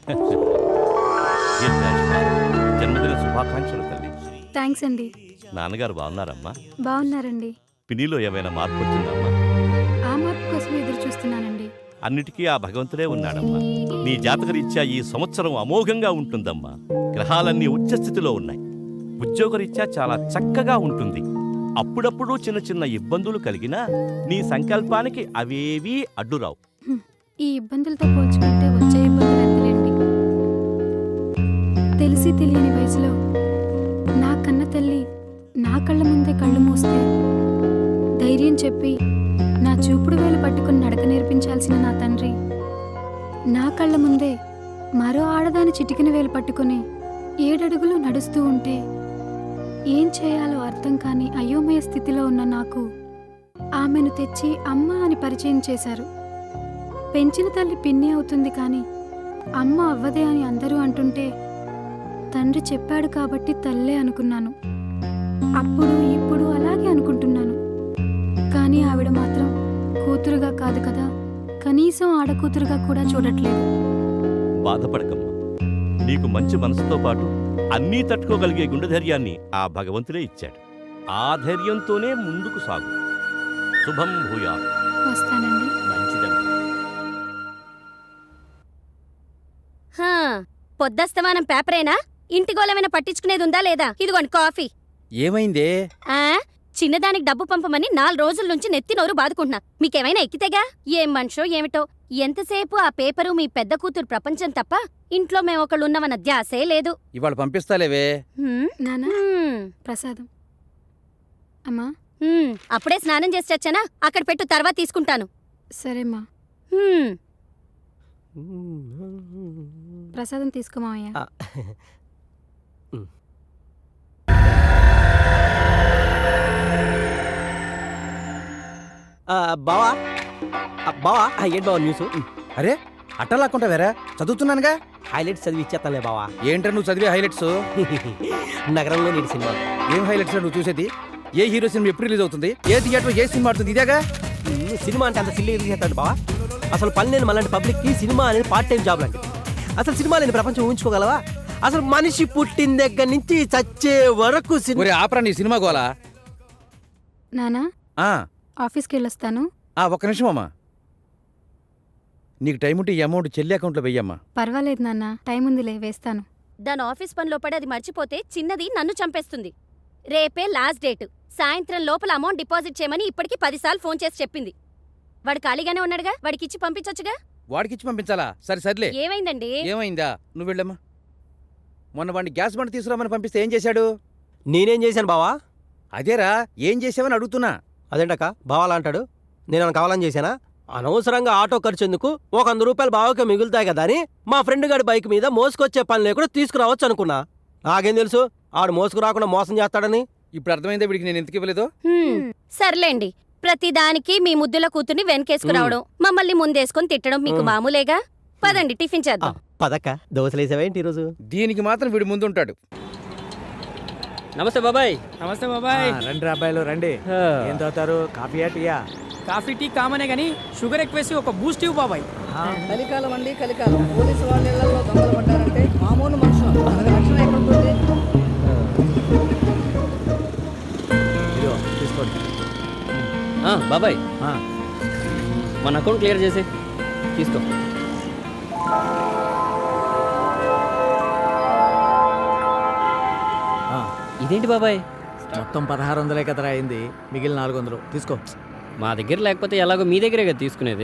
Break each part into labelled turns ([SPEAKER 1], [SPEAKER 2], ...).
[SPEAKER 1] జన్మదిన శుభాకాంక్షలు తల్లి.
[SPEAKER 2] థ్యాంక్స్ అండి.
[SPEAKER 1] నాన్నగారు బాగున్నారమ్మా?
[SPEAKER 2] బాగున్నారండి.
[SPEAKER 1] పినిలో ఏమైనా మార్పు వచ్చిందమ్మా?
[SPEAKER 2] ఆ మార్పు కోసం ఎదురు చూస్తున్నానండి.
[SPEAKER 1] అన్నిటికీ ఆ భగవంతుడే ఉన్నాడమ్మా. నీ జాతకరీత్యా ఈ సంవత్సరం అమోఘంగా ఉంటుందమ్మా. గ్రహాలన్నీ ఉచ్చస్థితిలో ఉన్నాయి. ఉద్యోగరీత్యా చాలా చక్కగా ఉంటుంది. అప్పుడప్పుడు చిన్న చిన్న ఇబ్బందులు కలిగినా నీ సంకల్పానికి అవేవీ అడ్డురావు.
[SPEAKER 2] ఈ ఇబ్బందులతో పోల్చుకుంటే వచ్చే ఇబ్బందులు ఎంతలేండి. తెలిసి తెలియని వయసులో నా కన్న తల్లి నా కళ్ళ ముందే కళ్ళు మూస్తే ధైర్యం చెప్పి నా చూపుడు వేలు పట్టుకుని నడక నేర్పించాల్సిన నా తండ్రి నా కళ్ళ ముందే మరో ఆడదాని చిటికిన వేలు పట్టుకుని 7 అడుగులు నడుస్తూ ఉంటే ఏం చేయాలో అర్థం కాని అయోమయ స్థితిలో ఉన్న నాకు ఆమెను తెచ్చి అమ్మ అని పరిచయం చేశారు. పెంచిన తల్లి పిన్ని అవుతుంది కానీ అమ్మ అవ్వదే అని అందరూ అంటుంటే తండ్రి చెప్పాడు కాబట్టి తల్లే అనుకున్నాను. అప్పుడు ఇప్పుడు అలాగే అనుకుంటున్నాను. కానీ ఆవిడ మాత్రం కూతురుగా కాదు కదా, కనీసం ఆడకూతురుగా కూడా చూడట్లేదు.
[SPEAKER 1] బాధపడకమ్మా. నీకు మంచి మనసుతో పాటు అన్నీ తట్టుకోగలిగే గుండె ధైర్యాన్ని ఆ భగవంతుడే ఇచ్చాడు. ఆ ధైర్యంతోనే ముందుకు సాగు. శుభం భూయా.
[SPEAKER 2] వస్తానండి.
[SPEAKER 1] మంచిదమ్మా.
[SPEAKER 3] పొద్దస్తమానం పేపరేనా? ఇంటి గోళమైనా పట్టించుకునేది ఉందా లేదా? ఇదిగోండి కాఫీ.
[SPEAKER 4] ఏమైందే?
[SPEAKER 3] చిన్నదానికి డబ్బు పంపమని 4 రోజుల నుంచి నెత్తి నోరు బాదుకుంటున్నా. మీకేమైనా ఎక్కితేగా? ఏం మనిషో ఏమిటో. ఎంతసేపు ఆ పేపరు మీ పెద్ద కూతురు ప్రపంచం తప్ప ఇంట్లో మేమొకళ్ళున్నవన్న ధ్యాసే లేదు.
[SPEAKER 4] ఇవాళ పంపిస్తాలేవే.
[SPEAKER 2] నానా ప్రసాదం. అమ్మా
[SPEAKER 3] అప్పుడే స్నానం చేసి వచ్చానా? అక్కడ పెట్టు, తర్వాత తీసుకుంటాను.
[SPEAKER 2] సరేమ్మా. ప్రసాదం తీసుకోమావయ్యా.
[SPEAKER 5] బావా బావా ఏంటి బావా న్యూస్?
[SPEAKER 4] అరే అట్టలాక్కుంటా వేరా, చదువుతున్నానుగా.
[SPEAKER 5] హైలైట్స్ చదివి ఇచ్చేస్తానులే బావా.
[SPEAKER 4] ఏంట్రా నువ్వు చదివే హైలైట్స్?
[SPEAKER 5] నగరంలో నీటి సినిమా.
[SPEAKER 4] ఏం హైలైట్స్ నువ్వు చూసేది? ఏ హీరో సినిమా ఎప్పుడు రిలీజ్ అవుతుంది, ఏ థియేటర్ ఏ సినిమా ఆడుతుంది, ఇదేగా.
[SPEAKER 5] సినిమా అంటే అంత సిల్లీ చేస్తాడు బావా. అసలు పని లేని మళ్ళీ పబ్లిక్కి సినిమా అనేది పార్ట్ టైం జాబ్ లాంటిది. అసలు సినిమా లేని ప్రపంచం ఊహించుకోగలవా? అసలు మనిషి పుట్టిన దగ్గర నుంచి చచ్చే వరకు
[SPEAKER 4] ఆపరా నీ సినిమా గోలా.
[SPEAKER 2] నానా ఆఫీస్కి వెళ్ళొస్తాను.
[SPEAKER 4] ఒక్క నిమిషం అమ్మా. నీకు టైం ఉంటే ఈ అమౌంట్ చెల్లి అకౌంట్లో వెయ్యమ్మా.
[SPEAKER 2] పర్వాలేదు నాన్న, టైం ఉందిలే, వేస్తాను.
[SPEAKER 3] దాని ఆఫీస్ పనిలో పడి అది మర్చిపోతే చిన్నది నన్ను చంపేస్తుంది. రేపే లాస్ట్ డేట్. సాయంత్రం లోపల అమౌంట్ డిపాజిట్ చేయమని ఇప్పటికి 10 సార్లు ఫోన్ చేసి చెప్పింది. వాడు ఖాళీగానే ఉన్నాడుగా, వాడికిచ్చి పంపించొచ్చుగా.
[SPEAKER 4] వాడికిచ్చి పంపించాలా? సర్లే.
[SPEAKER 3] ఏమైందండి?
[SPEAKER 4] ఏమైందా? నువ్వు వెళ్ళమ్మా. మొన్న వాడిని గ్యాస్ బండి తీసుకురామని పంపిస్తే ఏం చేశాడు?
[SPEAKER 5] నేనేం చేశాను బావా?
[SPEAKER 4] అదేరా, ఏం చేసావని అడుగుతున్నా.
[SPEAKER 5] అదేంటక్క బావాలా అంటాడు? నేనేమైనా కావాలని చేశానా? అనవసరంగా ఆటో ఖర్చు ఎందుకు, ఒక 100 రూపాయలు బావకే మిగులుతాయి కదా అని మా ఫ్రెండ్ గారి బైక్ మీద మోసుకొచ్చే పని లేకుండా తీసుకురావచ్చు అనుకున్నా. నాకేం తెలుసు ఆడు మోసుకు రాకుండా మోసం చేస్తాడని.
[SPEAKER 4] ఇప్పుడు అర్థమైందా వీడికి నేను ఎందుకు ఇవ్వలేదో?
[SPEAKER 3] సర్లేండి, ప్రతిదానికి మీ ముద్దుల కూతుర్ని వెనకేసుకురావడం, మమ్మల్ని ముందేసుకొని తిట్టడం మీకు మామూలేగా. పదండి టిఫిన్ చేద్దాం.
[SPEAKER 5] పదక్క, దోశలేసావేంటి ఈరోజు?
[SPEAKER 4] దీనికి మాత్రం వీడి ముందుంటాడు.
[SPEAKER 6] నమస్తే బాబాయ్.
[SPEAKER 7] నమస్తే బాబాయ్.
[SPEAKER 8] రండి అబ్బాయిలు రండి. ఏం తాగుతారు, కాఫీయా టీయా?
[SPEAKER 7] కాఫీ టీ కామనే గానీ షుగర్ ఎక్కువేసి ఒక బూస్ట్ ఇవ్వు బాబాయ్.
[SPEAKER 9] కలికాలం అండి, కలికాలం. పోలీసు వాళ్ళ ఇళ్లలో దొంగలు పడ్డారంటే మామూలు మనుషులు రక్షణ ఎక్కడుంటుంది?
[SPEAKER 8] తీసుకోండి
[SPEAKER 6] బాబాయ్, మన అకౌంట్ క్లియర్ చేసి తీసుకో. ఇదేంటి బాబాయ్,
[SPEAKER 8] మొత్తం 1600 కదరా అయింది, మిగిలిన 400 తీసుకో.
[SPEAKER 6] మా దగ్గర లేకపోతే ఎలాగో మీ దగ్గరే కదా తీసుకునేది.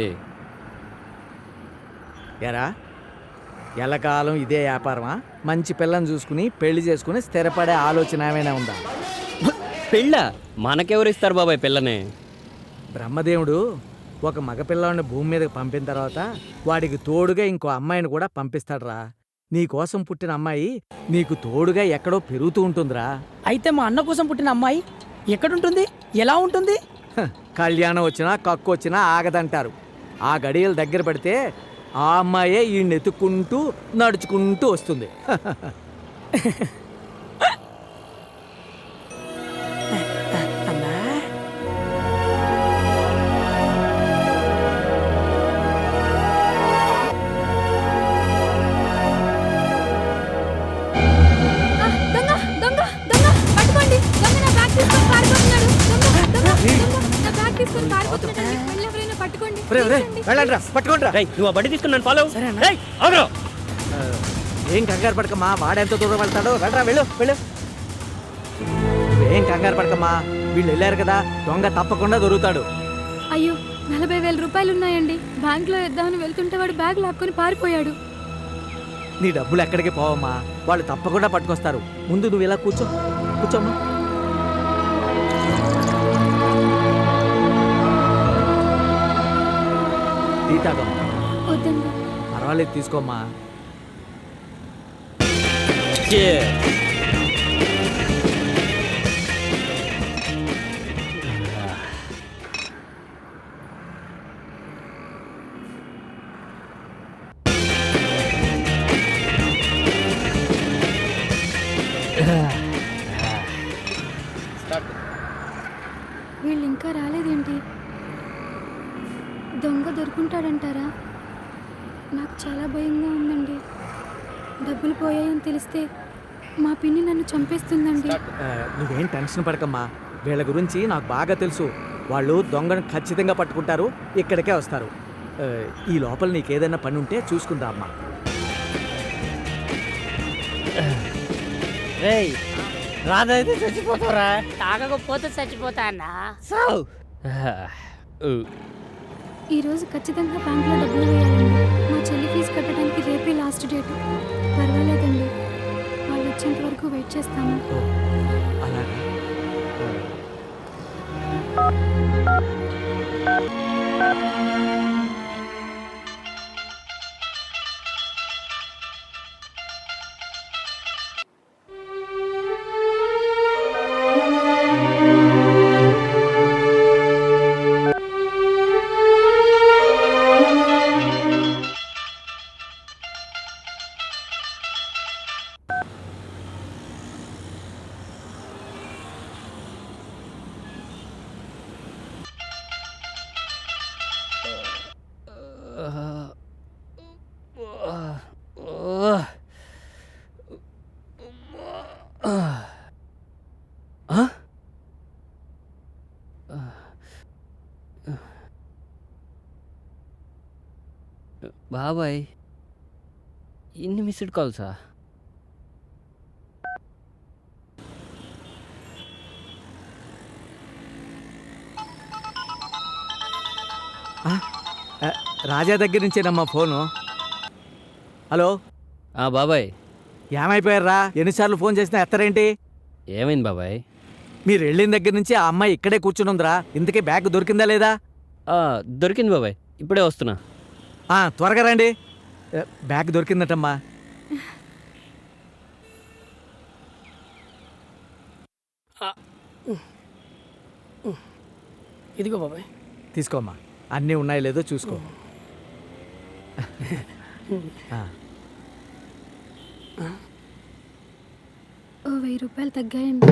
[SPEAKER 8] ఎరా ఎల్లకాలం ఇదే వ్యాపారమా? మంచి పిల్లని చూసుకుని పెళ్లి చేసుకుని స్థిరపడే ఆలోచన ఏమైనా ఉందా?
[SPEAKER 6] పెళ్ళ మనకెవరు ఇస్తారు బాబాయ్ పిల్లని?
[SPEAKER 8] బ్రహ్మదేవుడు ఒక మగపిల్లాడిని భూమి మీదకి పంపిన తర్వాత వాడికి తోడుగా ఇంకో అమ్మాయిని కూడా పంపిస్తాడురా. నీకోసం పుట్టిన అమ్మాయి నీకు తోడుగా ఎక్కడో పెరుగుతూ ఉంటుందిరా.
[SPEAKER 7] అయితే మా అన్న కోసం పుట్టిన అమ్మాయి ఎక్కడుంటుంది, ఎలా ఉంటుంది?
[SPEAKER 8] కళ్యాణం వచ్చినా కక్కు వచ్చినా ఆగదంటారు. ఆ గడియలు దగ్గర పడితే ఆ అమ్మాయే ఈ నెతుక్కుంటూ నడుచుకుంటూ వస్తుంది.
[SPEAKER 2] ఎవరైనా పట్టుకోండి
[SPEAKER 8] వెళ్ళండి రా, పట్టుకోండి రా.
[SPEAKER 6] రేయ్, నువ్వు ఆ బండి తీసుకుని నన్ను ఫాలో అవ్వు. రేయ్, ఆగురా.
[SPEAKER 8] ఏం కంగారు పడకమ్మా, వాడెంత దూరం వెళ్తాడో వెళ్ళరా, వెళ్ళు వెళ్ళు. ఏం కంగారు పడకమ్మా, వీళ్ళు వెళ్ళారు కదా, దొంగ తప్పకుండా దొరుకుతాడు.
[SPEAKER 2] అయ్యో 40,000 రూపాయలు ఉన్నాయండి. బ్యాంక్లో వేద్దామని వెళ్తుంటే వాడు బ్యాగ్ లాక్కొని పారిపోయాడు.
[SPEAKER 8] నీ డబ్బులు ఎక్కడికి పోవమ్మా, వాళ్ళు తప్పకుండా పట్టుకొస్తారు. ముందు నువ్వు ఇలా కూర్చోమ్మా. టీ తాగమ్మా.
[SPEAKER 2] వద్దండి.
[SPEAKER 8] పర్వాలేదు, తీసుకోమ్మా.
[SPEAKER 2] వీళ్ళు ఇంకా రాలేదేంటి? దొంగ దొరుకుంటాడంటారా? నాకు చాలా భయంగా ఉందండి. డబ్బులు పోయాయని తెలిస్తే మా పిన్ని నన్ను చంపేస్తుందండి.
[SPEAKER 8] నువ్వేం టెన్షన్ పడకమ్మా, వీళ్ళ గురించి నాకు బాగా తెలుసు. వాళ్ళు దొంగను ఖచ్చితంగా పట్టుకుంటారు, ఇక్కడికే వస్తారు. ఈ లోపల నీకేదైనా పని ఉంటే చూసుకుందా అమ్మా.
[SPEAKER 7] రేయ్, రాదైతే చచ్చిపోతారా?
[SPEAKER 10] తాగకపోతే చచ్చిపోతా అన్నా.
[SPEAKER 7] సావ్.
[SPEAKER 2] ఈరోజు ఖచ్చితంగా బ్యాంక్లో డబ్బులు వేయాలండి. మా చెల్లి ఫీజు కట్టడానికి రేపే లాస్ట్ డేట్. పర్వాలేదండి, వాళ్ళు వచ్చేంత వరకు వెయిట్ చేస్తాను.
[SPEAKER 8] అలాగా.
[SPEAKER 6] బాబాయ్, ఇన్ని మిస్డ్ కాల్సా?
[SPEAKER 8] రాజా దగ్గర నుంచేనమ్మా ఫోను. హలో
[SPEAKER 6] బాబాయ్,
[SPEAKER 8] ఏమైపోయారా? ఎన్నిసార్లు ఫోన్ చేసినా ఎత్తరేంటి?
[SPEAKER 6] ఏమైంది బాబాయ్?
[SPEAKER 8] మీరు వెళ్ళిన దగ్గర నుంచి ఆ అమ్మాయి ఇక్కడే కూర్చుని ఉందిరా. ఇంతకీ బ్యాగ్ దొరికిందా లేదా?
[SPEAKER 6] దొరికింది బాబాయ్, ఇప్పుడే వస్తున్నా.
[SPEAKER 8] త్వరగా రండి. బ్యాగ్ దొరికిందటమ్మా.
[SPEAKER 7] ఇదిగో బాబాయ్,
[SPEAKER 8] తీసుకోమ్మా. అన్నీ ఉన్నాయో లేదో చూసుకో.
[SPEAKER 2] ఓ 1000 రూపాయలు తగ్గాయండి.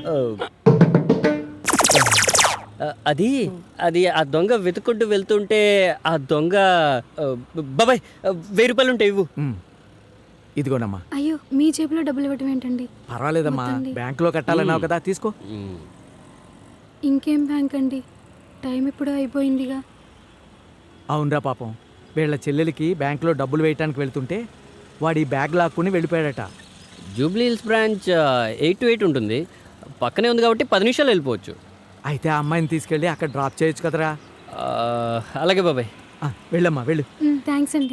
[SPEAKER 6] అది అది ఆ దొంగ వెతుకుంటూ వెళ్తుంటే ఆ దొంగ బాబాయ్ 1000 రూపాయలు ఉంటాయి, ఇవ్వు.
[SPEAKER 8] ఇదిగోనమ్మా.
[SPEAKER 2] అయ్యో, మీ జేబులో డబ్బులు ఇవ్వటం ఏంటండి?
[SPEAKER 8] పర్వాలేదమ్మా,
[SPEAKER 2] వద్దండి.
[SPEAKER 8] బ్యాంకులో కట్టాలన్నావు కదా, తీసుకో.
[SPEAKER 2] ఇంకేం బ్యాంక్ అండి, టైం ఇప్పుడు అయిపోయిందిగా.
[SPEAKER 8] అవునరా పాపం, వీళ్ళ చెల్లెలికి బ్యాంకులో డబ్బులు వేయటానికి వెళ్తుంటే వాడు ఈ బ్యాగ్ లాక్కుని వెళ్ళిపోయాడట.
[SPEAKER 6] జూబ్లీ హిల్స్ బ్రాంచ్ 8 to 8 ఉంటుంది, పక్కనే ఉంది కాబట్టి 10 నిమిషాలు వెళ్ళిపోవచ్చు.
[SPEAKER 8] అయితే ఆ అమ్మాయిని తీసుకెళ్ళి అక్కడ డ్రాప్ చేయొచ్చు కదరా.
[SPEAKER 6] అలాగే బాబాయ్.
[SPEAKER 8] వెళ్ళమ్మా, వెళ్ళు.
[SPEAKER 2] థ్యాంక్స్ అండి.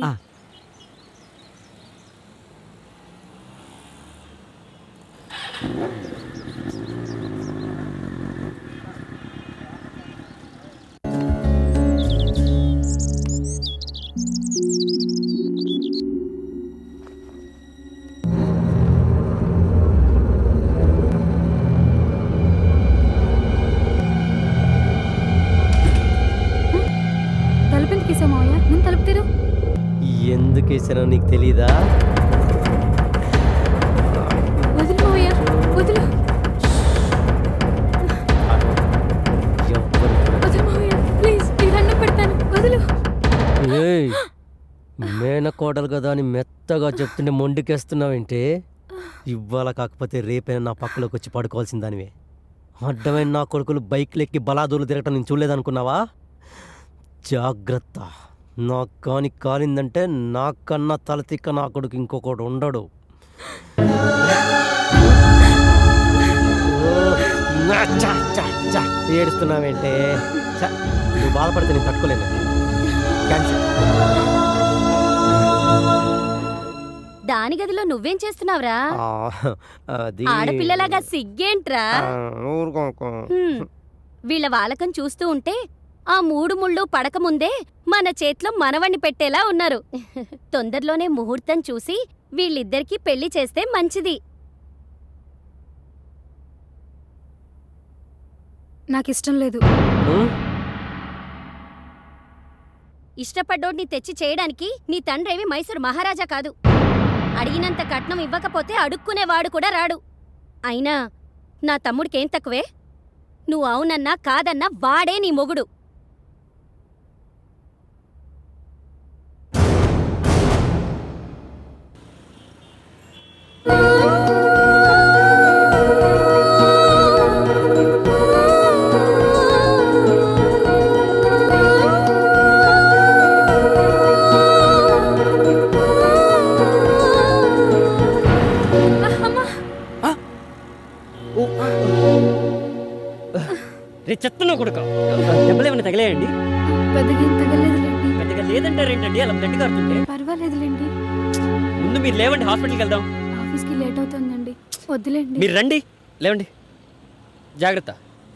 [SPEAKER 2] తలుపెందుకు వేసావు మావయ్య? ముందు తలుపు తెరు.
[SPEAKER 5] ఎందుకు వేసానో నీకు తెలీదా?
[SPEAKER 2] వదిలు మావయ్య, వదిలు. వదిలు మావయ్య, ప్లీజ్, నీ దండం పెడతాను, వదిలు.
[SPEAKER 5] మేనకోడలు కదా అని మెత్తగా చెప్తుంటే మొండికేస్తున్నావేంటి? ఇవాళ కాకపోతే రేపైనా నా పక్కలోకి వచ్చి పడుకోవాల్సిన దానివే. అడ్డమైన నా కొడుకులు బైక్లు ఎక్కి బలాదూలు తిరగటం నేను చూడలేదనుకున్నావా? జాగ్రత్త. నాకు కాని కాలిందంటే నాకన్నా తలతిక్క నా కొడుకు ఇంకొకడు ఉండడు. ఏడుస్తున్నావేంటే? నువ్వు బాధపడితే నేను తట్టుకోలేను. క్యాన్సిల్.
[SPEAKER 3] దాని గదిలో నువ్వేం చేస్తున్నావురా?
[SPEAKER 5] అది
[SPEAKER 3] ఆడపిల్లలాగా సిగ్గేంట్రా? హ్మ్. వీళ్ళ వాలకం చూస్తూ ఉంటే ఆ 3 ముళ్ళు పడకముందే మన చేతిలో మనవణ్ణి పెట్టేలా ఉన్నారు. తొందరలోనే ముహూర్తం చూసి వీళ్ళిద్దరికీ పెళ్లి చేస్తే మంచిది.
[SPEAKER 2] నాకిష్టం లేదు.
[SPEAKER 3] ఇష్టపడ్డోడిని తెచ్చి చేయడానికి నీ తండ్రేవి మైసూరు మహారాజా కాదు. అడిగినంత కట్నం ఇవ్వకపోతే అడుక్కునేవాడు కూడా రాడు. అయినా నా తమ్ముడికేం తక్కువే? నువ్వు అవునన్నా కాదన్నా వాడే నీ మొగుడు.
[SPEAKER 6] రే చెత్తనో కొడుక, దెబ్బలు ఏమైనా తగిలేయండి?
[SPEAKER 2] పెద్దగా ఏం తగలేదులేండి.
[SPEAKER 6] పెద్దగా లేదంటారేంటండి అలా బ్లడ్ కారుతుంటే?
[SPEAKER 2] పర్వాలేదులేండి.
[SPEAKER 6] ముందు మీరు లేవండి, హాస్పిటల్కి వెళ్దాం.
[SPEAKER 2] ఆఫీస్కి లేట్ అవుతుందండి. వద్దులేండి.
[SPEAKER 6] మీరు రండి, లేవండి. జాగ్రత్త.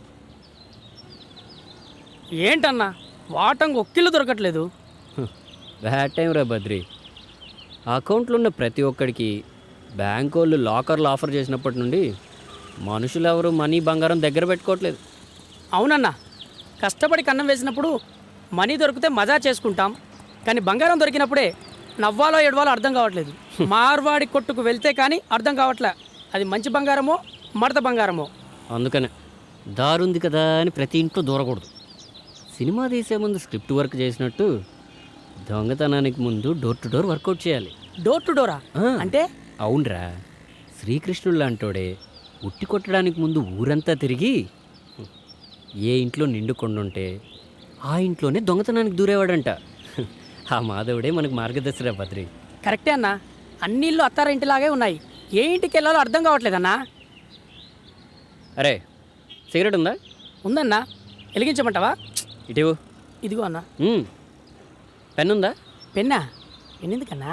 [SPEAKER 7] ఏంటన్నా వాటంగా ఒక్కిళ్ళు దొరకట్లేదు.
[SPEAKER 6] బ్యాడ్ టైం రా బద్రి. అకౌంట్లో ఉన్న ప్రతి ఒక్కడికి బ్యాంక్ వాళ్ళు లాకర్లు ఆఫర్ చేసినప్పటి నుండి మనుషులు ఎవరు మనీ బంగారం దగ్గర పెట్టుకోవట్లేదు.
[SPEAKER 7] అవునన్నా, కష్టపడి కన్నం వేసినప్పుడు మనీ దొరికితే మజా చేసుకుంటాం, కానీ బంగారం దొరికినప్పుడే నవ్వాలో ఏడవాలో అర్థం కావట్లేదు. మార్వాడి కొట్టుకు వెళ్తే కానీ అర్థం కావట్లే అది మంచి బంగారమో మడత బంగారమో.
[SPEAKER 6] అందుకనే దారుంది కదా అని ప్రతి ఇంట్లో దూరకూడదు. సినిమా తీసే ముందు స్క్రిప్ట్ వర్క్ చేసినట్టు దొంగతనానికి ముందు డోర్ టు డోర్ వర్కౌట్ చేయాలి.
[SPEAKER 7] డోర్ టు డోరా అంటే?
[SPEAKER 6] అవునరా, శ్రీకృష్ణుడు లాంటోడే ఉట్టి కొట్టడానికి ముందు ఊరంతా తిరిగి ఏ ఇంట్లో నిండు కొండుంటే ఆ ఇంట్లోనే దొంగతనానికి దూరేవాడంట. ఆ మాధవుడే మనకు మార్గదర్శిరా బద్రి.
[SPEAKER 7] కరెక్టే అన్నా, అన్ని ఇల్లు అత్తారింటిలాగే ఉన్నాయి. ఏ ఇంటికి వెళ్ళాలో అర్థం కావట్లేదన్నా.
[SPEAKER 6] అరే సిగరెట్ ఉందా?
[SPEAKER 7] ఉందన్నా, వెలిగించమంటావా?
[SPEAKER 6] ఇటీవు.
[SPEAKER 7] ఇదిగో అన్నా.
[SPEAKER 6] పెన్ ఉందా?
[SPEAKER 7] పెన్నా? పెన్నెందుకన్నా?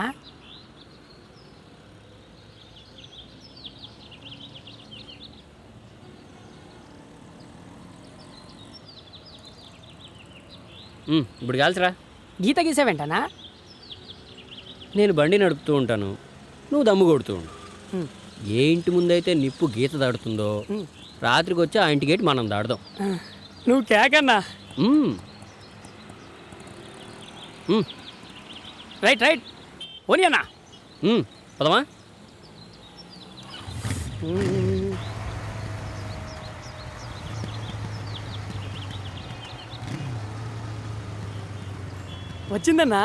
[SPEAKER 6] ఇప్పుడు కాల్చరా.
[SPEAKER 7] గీత గీసావేంటనా?
[SPEAKER 6] నేను బండి నడుపుతూ ఉంటాను, నువ్వు దమ్ము కొడుతూ ఉండు. ఏ ఇంటి ముందైతే నిప్పు గీత దాడుతుందో రాత్రికి వచ్చి ఆ ఇంటి గేట్ మనం దాడదాం.
[SPEAKER 7] నువ్వు కేకన్నా. రైట్ రైట్ ఓని అన్నా.
[SPEAKER 6] పదమా.
[SPEAKER 7] వచ్చిందన్నా.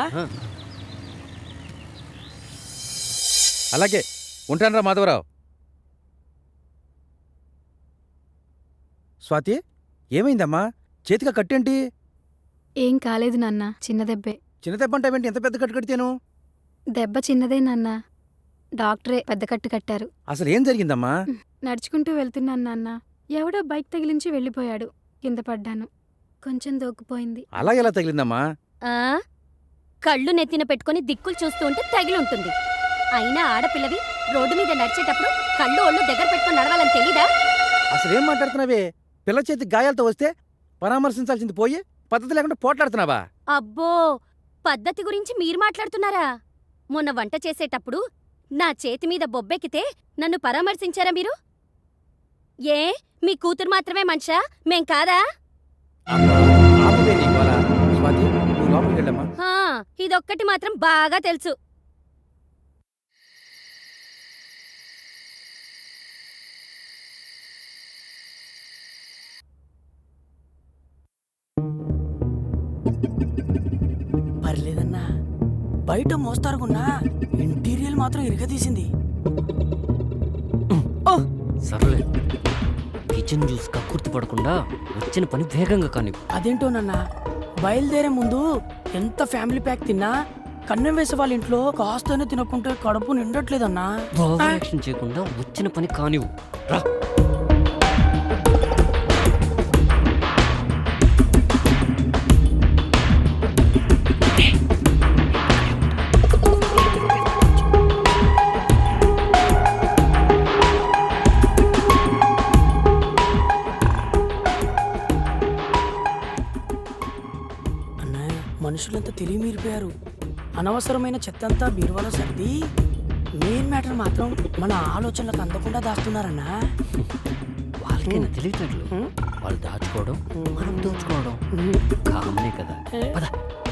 [SPEAKER 4] అలాగే ఉంటానరా మాధవరావు. స్వాతి, ఏమైందమ్మా? చేతిగా కట్టేంటి?
[SPEAKER 2] ఏం కాలేదు నాన్న, చిన్న దెబ్బే.
[SPEAKER 4] చిన్న దెబ్బ అంటావేంటి? ఎంత పెద్ద కట్టు కడితేను?
[SPEAKER 2] దెబ్బ చిన్నదే నాన్న, డాక్టరే పెద్ద కట్టు కట్టారు.
[SPEAKER 4] అసలు ఏం జరిగిందమ్మా?
[SPEAKER 2] నడుచుకుంటూ వెళ్తున్నాను నాన్న, ఎవడో బైక్ తగిలించి వెళ్ళిపోయాడు. కింద పడ్డాను, కొంచెం దోక్కుపోయింది.
[SPEAKER 4] అలా ఎలా తగిలిందమ్మా?
[SPEAKER 3] ఆ కళ్ళు నెత్తిన పెట్టుకుని దిక్కులు చూస్తూ ఉంటే తగిలుంటుంది. అయినా ఆడపిల్లవి రోడ్డు మీద నడిచేటప్పుడు కళ్ళు ఒళ్ళు దగ్గర పెట్టుకుని నడవాలని తెలీదా?
[SPEAKER 4] అసలేం మాట్లాడుతున్నావే? పిల్ల చేతి గాయాలతో వస్తే పరామర్శించాల్సింది పోయి పద్ధతి లేకుండా పోట్లాడుతున్నావా?
[SPEAKER 3] అబ్బో, పద్ధతి గురించి మీరు మాట్లాడుతున్నారా? మొన్న వంట చేసేటప్పుడు నా చేతి మీద బొబ్బెక్కితే నన్ను పరామర్శించారా మీరు? ఏ మీ కూతురు మాత్రమే మనిషా, మేం కాదా?
[SPEAKER 4] ఆపువే నీ గోల. స్వాతి, నువ్వు లోపలికి వెళ్ళమ్మా.
[SPEAKER 3] ఇదొక్కటి మాత్రం బాగా తెలుసు.
[SPEAKER 7] పర్లేదన్నా, బయట మోస్తారుకున్నా ఇంటీరియల్ మాత్రం ఇరగదీసింది.
[SPEAKER 6] సర్లే, కిచెన్ జ్యూస్ కక్కుర్తి పడకుండా వచ్చిన పని వేగంగా కానీ.
[SPEAKER 7] అదేంటోనన్నా, బయలుదేరే ముందు ఎంత ఫ్యామిలీ ప్యాక్ తిన్నా కన్నం వేసే వాళ్ళ ఇంట్లో కాస్తనే తినకుంటే కడుపు నిండట్లేదన్నా.
[SPEAKER 6] ఓవర్ యాక్షన్ చేయకుండా వచ్చిన పని కానివ్వు రా.
[SPEAKER 7] అన్నా మనుషులంతా తెలివి మీరిపోయారు. అనవసరమైన చెత్తంతా బీరువాలో సర్ది మెయిన్ మ్యాటర్ మాత్రం మన ఆలోచనలకు అందకుండా దాస్తున్నారన్నా.
[SPEAKER 6] వాళ్ళకైనా తెలియట్లేదు. వాళ్ళు దాచుకోవడం మనం దోచుకోవడం కామనే కదా. పద.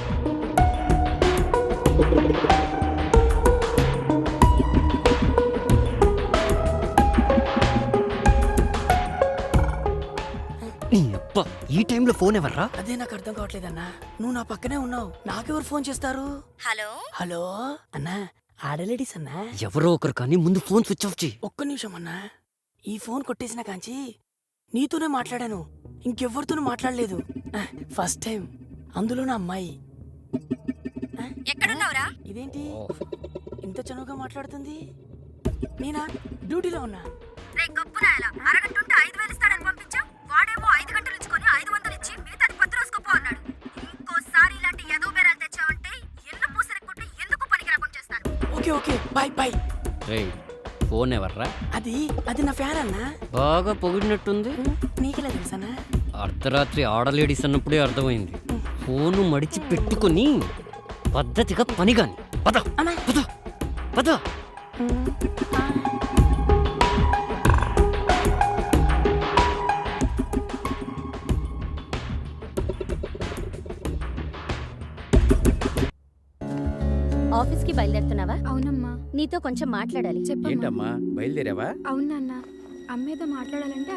[SPEAKER 6] నీ అబ్బా, ఈ టైంలో ఫోన్ ఎవర్రా?
[SPEAKER 7] అదే నాకు అర్థం కావట్లేదన్నా. నువ్వు నా పక్కనే ఉన్నావు, నాకెవరు ఫోన్ చేస్తారు?
[SPEAKER 3] హలో
[SPEAKER 7] హలో అన్నా, ఆడలేడీస్ అన్నా.
[SPEAKER 6] ఎవరో ఒకరు కానీ ముందు ఫోన్ స్విచ్ ఆఫ్ చేయి.
[SPEAKER 7] ఒక్క నిమిషం అన్నా. ఈ ఫోన్ కొట్టేసిన కాంచి నీతోనే మాట్లాడాను, ఇంకెవ్వరితోనూ మాట్లాడలేదు. ఫస్ట్ టైం, అందులో నా అమ్మాయి.
[SPEAKER 3] ఎక్కడున్నావురా?
[SPEAKER 7] ఇదేంటి ఇంత చనువుగా మాట్లాడుతుంది? నేనా డ్యూటీలో ఉన్నా.
[SPEAKER 3] రే గొప్పనాయల, అరగంట ఉంటే 5,000 ఇస్తాడని పంపించావు. వాడేమో 5 గంటలు ఇచ్చుకొని 500 ఇచ్చి మిగతాది 10 రోజుకోపో అన్నాడు. ఇంకోసారి ఇలాంటి ఎదో బేరాలు తెచ్చావంటే ఎల్లు పూసరెక్కుంటే ఎందుకు పనికి రాకుండా చేస్తాను.
[SPEAKER 7] Okay okay, bye bye.
[SPEAKER 6] రేయ్, ఫోన్ ఎవర్రా?
[SPEAKER 7] అది నా ఫ్యాన్ అన్నా.
[SPEAKER 6] బాగా పొగిడినట్టుంది.
[SPEAKER 7] నీకెలా తెలుసన్నా?
[SPEAKER 6] అర్ధరాత్రి ఆడలేడీస్ అన్నప్పుడే అర్థమైంది. ఫోను మడిచి పెట్టుకుని పద్ధతిగా పని గాని. పద
[SPEAKER 7] అన్నా.
[SPEAKER 6] పద పద.
[SPEAKER 3] ఆఫీస్కి బయలుదేరుతున్నావా?
[SPEAKER 2] అవునమ్మా.
[SPEAKER 3] నీతో కొంచెం మాట్లాడాలి.
[SPEAKER 2] చెప్పమ్మా.
[SPEAKER 4] ఏంటమ్మా బయలుదేరావా?
[SPEAKER 2] అవునన్నా, అమ్మేదో మాట్లాడాలంటే